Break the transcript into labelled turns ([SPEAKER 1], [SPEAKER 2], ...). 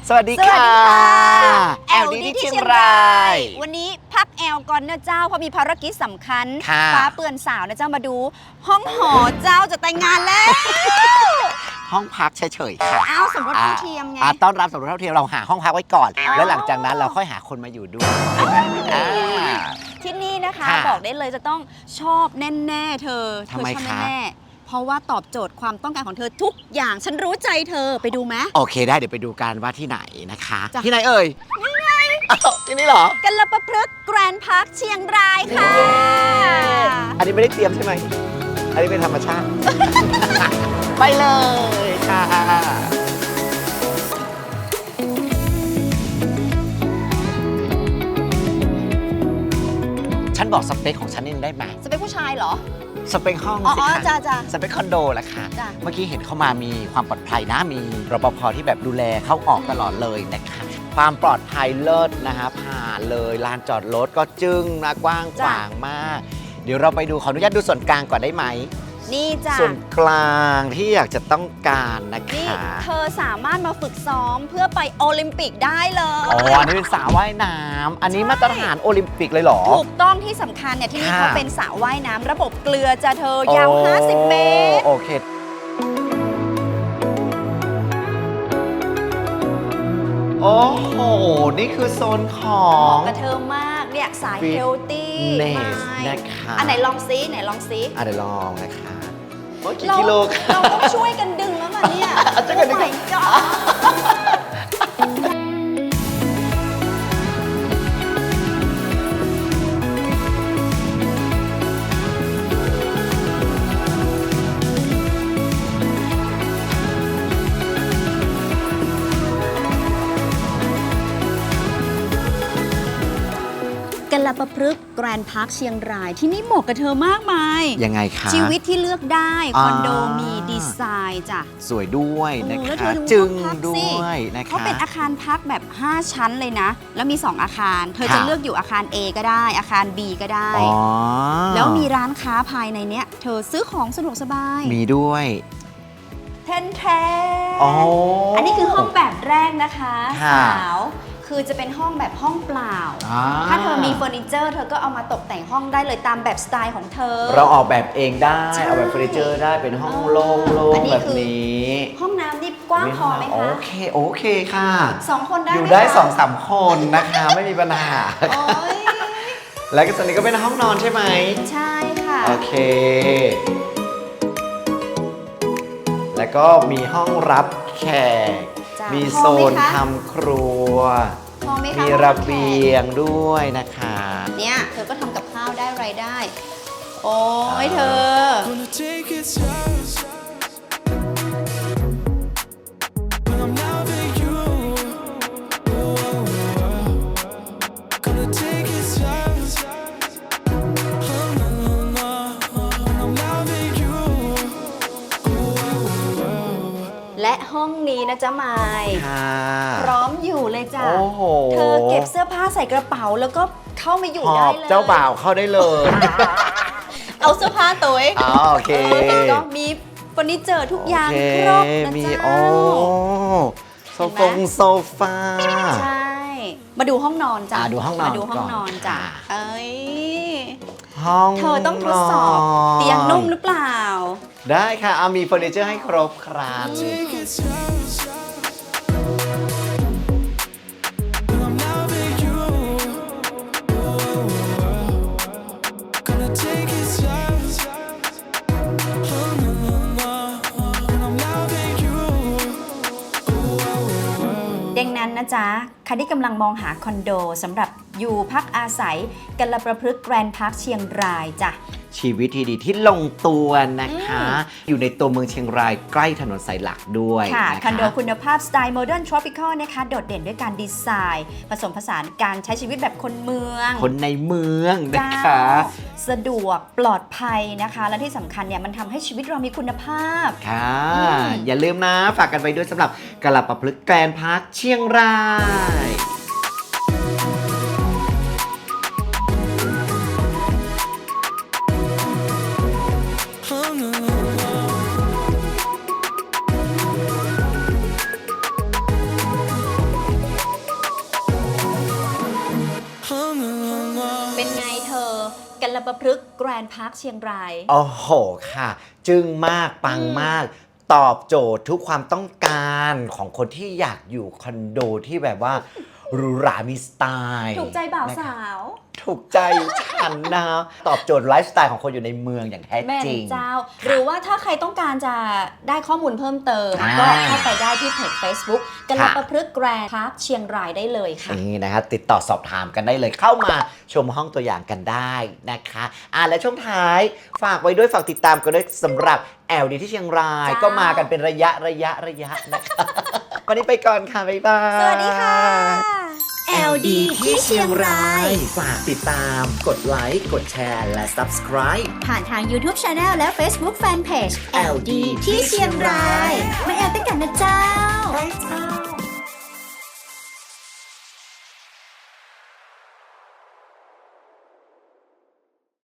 [SPEAKER 1] สวัสดีค่ะแอลดีที่เชียงราย
[SPEAKER 2] วันนี้พักแอลก่อนนะเจ้าเพราะมีภารกิจสำคัญ
[SPEAKER 1] ค่ะ
[SPEAKER 2] ฟ้าเปือนสาวนะเจ้ามาดู ห้องหอเจ้าจะแต่งงานแล้ว
[SPEAKER 1] ห้องพักเฉยๆค่ะ
[SPEAKER 2] อ้าวสมรสเท่าเทียมไง
[SPEAKER 1] ต้อนรับสมรสเท่าเทียมเราหาห้องพักไว้ก่อน
[SPEAKER 2] อ๋อ
[SPEAKER 1] แล้วหลังจากนั้นเราค่อยหาคนมาอยู่ด้วยอ่า
[SPEAKER 2] ที่นี่นะคะ
[SPEAKER 1] ค่ะ
[SPEAKER 2] บอกได้เลยจะต้องชอบแน่ๆเธอ
[SPEAKER 1] ทำไม
[SPEAKER 2] ชอบ
[SPEAKER 1] คะ
[SPEAKER 2] แน่ๆเพราะว่าตอบโจทย์ความต้องการของเธอทุกอย่างฉันรู้ใจเธอไปดูไหม
[SPEAKER 1] โอเคได้เดี๋ยวไปดูกันว่าที่ไหนนะคะ
[SPEAKER 2] จ้ะ
[SPEAKER 1] ที่ไหนเอ่ยนี่ไงที่นี่เหรอ
[SPEAKER 2] กัลปะพฤกษ์แกรนด์พาร์คเชียงรายค่ะ
[SPEAKER 1] อันนี้ไม่ได้เตรียมใช่ไหมอันนี้เป็นธรรมชาติ ไปเลยค่ะฉันบอกสเปคของฉันนี่ได้ไหม
[SPEAKER 2] จะเป็นผู้ชายเหรอ
[SPEAKER 1] สเปคห้อง
[SPEAKER 2] อ๋อ
[SPEAKER 1] สิ
[SPEAKER 2] อ๋อ
[SPEAKER 1] คะ
[SPEAKER 2] จ้า
[SPEAKER 1] สเปคคอนโดละค่ะ
[SPEAKER 2] จ้ะ
[SPEAKER 1] เมื่อกี้เห็นเข้ามามีความปลอดภัยนะ มีรปภที่แบบดูแลเข้าออกตลอดเลยนะคะ ความปลอดภัยเลิศนะคะผ่านเลยลานจอดรถก็จึ้งนะกว้างขวางมาก เดี๋ยวเราไปดูขออนุญาตดูส่วนกลางก่อนได้ไหม
[SPEAKER 2] นี่จ้ะ
[SPEAKER 1] ส่วนกลางที่อยากจะต้องการนะ
[SPEAKER 2] นี่
[SPEAKER 1] คะ
[SPEAKER 2] เธอสามารถมาฝึกซ้อมเพื่อไปโอลิมปิกได้เลย
[SPEAKER 1] อ๋ออันนี้เป็นสระว่ายน้ำอันนี้มาตรฐานโอลิมปิกเลยเหรอ
[SPEAKER 2] ถูกต้องที่สำคัญเนี่ยที่นี่
[SPEAKER 1] ค่ะ
[SPEAKER 2] เขาเป็นสระว่ายน้ำระบบเกลือจะเธอยาว 50 เมตร
[SPEAKER 1] โอเค โอ้โห นี่คือโซนของ
[SPEAKER 2] กับเธอมากเนี่ยสาย
[SPEAKER 1] Fit
[SPEAKER 2] เฮลตี้
[SPEAKER 1] Ness นะคะ
[SPEAKER 2] อันไหนลองซิไหนลองซิ
[SPEAKER 1] เดี๋ยวลองนะคะโอ้ยกี่
[SPEAKER 2] เรา
[SPEAKER 1] กิโลค่ะ
[SPEAKER 2] เราต้องช่วยกันดึงแล้วล่ะเนี่ย
[SPEAKER 1] ช่วยกันดึง
[SPEAKER 2] โอ้ my god กัลปะพฤกษ์แกรนด์พาร์คเชียงรายที่นี่เหมาะกับเธอมากมาย
[SPEAKER 1] ยังไงคะ
[SPEAKER 2] ชีวิตที่เลือกได้
[SPEAKER 1] อ่า
[SPEAKER 2] คอนโดมีดีไซน์จ้ะ
[SPEAKER 1] สวยด้วยนะ
[SPEAKER 2] โอ้แล้วเธ
[SPEAKER 1] คะ
[SPEAKER 2] อดู
[SPEAKER 1] จึง
[SPEAKER 2] ห้องพัก
[SPEAKER 1] ด้
[SPEAKER 2] สิ
[SPEAKER 1] วยนะคะ
[SPEAKER 2] เขาเป็นอาคารพักแบบ 5 ชั้นเลยนะ แล้วมี 2 อาคาร เธอจะ
[SPEAKER 1] ค่ะ
[SPEAKER 2] เลือกอยู่อาคาร A ก็ได้ อาคาร B ก็ได้
[SPEAKER 1] อ๋อ
[SPEAKER 2] แล้วมีร้านค้าภายในเนี้ย เธอซื้อของสะดวกสบาย
[SPEAKER 1] มีด้วย
[SPEAKER 2] แทนแท
[SPEAKER 1] อ๋อ
[SPEAKER 2] อันนี้คือห้องแบบแรกนะคะ
[SPEAKER 1] ค่ะ
[SPEAKER 2] สาว คือจะเป็นห้องแบบห้องเปล่า
[SPEAKER 1] อ่า
[SPEAKER 2] ถ้าเธอมีเฟอร์นิเจอร์ เธอก็เอามาตกแต่งห้องได้เลยตามแบบสไตล์ของเธอ
[SPEAKER 1] เราออกแบบเองได้
[SPEAKER 2] ใช่
[SPEAKER 1] เอาแบบเฟอร์นิเจอร์ได้เป็นห้องโล่
[SPEAKER 2] อัน
[SPEAKER 1] ง
[SPEAKER 2] นี้
[SPEAKER 1] ๆแบบ
[SPEAKER 2] คือ
[SPEAKER 1] นี้
[SPEAKER 2] ห้องน้ำนี่กว้างพอไหม
[SPEAKER 1] โอ
[SPEAKER 2] คะ
[SPEAKER 1] เค โอเคค่ะ
[SPEAKER 2] 2 คนได้
[SPEAKER 1] อยู่
[SPEAKER 2] ไหม
[SPEAKER 1] ได้
[SPEAKER 2] คะ
[SPEAKER 1] 2-3 คนนะคะ ไม่มีปัญหา
[SPEAKER 2] โอ้ย
[SPEAKER 1] แล้วก็ส่วนนี้ก็เป็นห้องนอนใช่ไหม
[SPEAKER 2] ใช่ค่ะ
[SPEAKER 1] โอเค แล้วก็มีห้องรับแขก
[SPEAKER 2] จ้ะ
[SPEAKER 1] มี
[SPEAKER 2] พ
[SPEAKER 1] โซ
[SPEAKER 2] อไหม
[SPEAKER 1] น
[SPEAKER 2] คะ
[SPEAKER 1] ทำครัว
[SPEAKER 2] พอไหมคะ
[SPEAKER 1] มีระเบียงด้วยนะคะ
[SPEAKER 2] เนี่ยเธอก็ทำกับข้าวได้รายได้ โอ้ยเธอ
[SPEAKER 3] Gonna take it slow. But I'm loving you. Gonna take it slow. I'm loving you.
[SPEAKER 2] และห้องนี้นะจ๊ะไมาย
[SPEAKER 1] ค่ะ
[SPEAKER 2] พร้อมอยู่เลยจ้ะ
[SPEAKER 1] โอ้โห
[SPEAKER 2] เธอเก็บเสื้อผ้าใส่กระเป๋าแล้วก็เข้ามาอยู่
[SPEAKER 1] หอ
[SPEAKER 2] ได้
[SPEAKER 1] บ
[SPEAKER 2] เลย
[SPEAKER 1] เจ้าบ่าวเข้าได้เลย
[SPEAKER 2] เอาเสื้อผ้าตัวเอง
[SPEAKER 1] อ๋อโอเค
[SPEAKER 2] เห็นก็มีเฟอร์นิเจอร์ทุกอย่าง
[SPEAKER 1] โอเค
[SPEAKER 2] ครบนะ
[SPEAKER 1] มี
[SPEAKER 2] จ๊ะ
[SPEAKER 1] โอ้โซ
[SPEAKER 2] เห็นไหม
[SPEAKER 1] โซฟา
[SPEAKER 2] ใช่ มาดูห้องนอนจ้ะ
[SPEAKER 1] ดูห้องนอน
[SPEAKER 2] มาดูห้องนอนจ้ะ
[SPEAKER 1] ก่อนค่ะ
[SPEAKER 2] เอ้ย
[SPEAKER 1] ห้อง
[SPEAKER 2] เธอต้องทดสอบ
[SPEAKER 1] นอน
[SPEAKER 2] เตียงนุ่มหรือเปล่า
[SPEAKER 1] ได้ค่ะเอามีเฟอร์นิเจอร์ให้ครบครัน
[SPEAKER 3] Take it slow. But I'm loving you. Gonna take it slow. I'm loving you.
[SPEAKER 2] ดังนั้นนะจ๊ะใครที่กำลังมองหาคอนโดสำหรับอยู่พักอาศัยกัลประพฤกษ์แกรนด์พาร์คเชียงรายจ้ะ
[SPEAKER 1] ชีวิตที่ดีที่ลงตัวนะคะ อยู่ในตัวเมืองเชียงรายใกล้ถนนสายหลักด้วย
[SPEAKER 2] ค่ะ
[SPEAKER 1] นะคะ
[SPEAKER 2] คอนโดคุณภาพสไตล์โมเดิร์นทรอปิคอลนะคะ โดดเด่นด้วยการดีไซน์ ผสมผสานการใช้ชีวิตแบบคนเมือง
[SPEAKER 1] คนในเมืองนะคะ
[SPEAKER 2] เจ้าสะดวกปลอดภัยนะคะ และที่สำคัญเนี่ยมันทำให้ชีวิตเรามีคุณภาพ
[SPEAKER 1] ค่ะ อย่าลืมนะ ฝากกันไปด้วยสำหรับกะหล่ำปะพลึกแกรนด์พาร์คเชียงราย
[SPEAKER 3] Oh,
[SPEAKER 2] กัลปพฤกษ์แกรนด์พาร์คเชียงราย
[SPEAKER 1] โอ้โหค่ะ จึ้งมากปังมาก ตอบโจทย์ทุกความต้องการของคนที่อยากอยู่คอนโดที่แบบว่าหรูหรามีสไตล์
[SPEAKER 2] ถูกใจบ่าว
[SPEAKER 1] นะคะ
[SPEAKER 2] สาว
[SPEAKER 1] ถูกใจฉันนะ ตอบโจทย์ไลฟ์สไตล์ของคนอยู่ในเมืองอย่างแท้
[SPEAKER 2] แม่
[SPEAKER 1] จริง
[SPEAKER 2] เจ้า หรือว่าถ้าใครต้องการจะได้ข้อมูลเพิ่มเติม
[SPEAKER 1] อ่า
[SPEAKER 2] ก็เข้าไปได้ที่เพจ Facebook กัลปพฤกษ์แกรนด์พาร์คเชียงรายได้เลยค่ะ
[SPEAKER 1] นี่นะคะติดต่อสอบถามกันได้เลยเข้ามาชมห้องตัวอย่างกันได้นะคะและช่วงท้ายฝากไว้ด้วยฝากติดตามกันด้วยสำหรับแอลดีที่เชียงราย
[SPEAKER 2] จ้า
[SPEAKER 1] ก็มากันเป็นระยะนะคะ วันนี้ไปก่อนค่ะ บ๊ายบาย
[SPEAKER 2] สวัสดีค่ะ LD ที่เชียงราย
[SPEAKER 1] ฝากติดตามกดไลค์กดแชร์และ Subscribe
[SPEAKER 2] ผ่านทาง YouTube Channel และ Facebook Fanpage LD ที่เชียงราย มาแอลตั้งกันนะเจ้า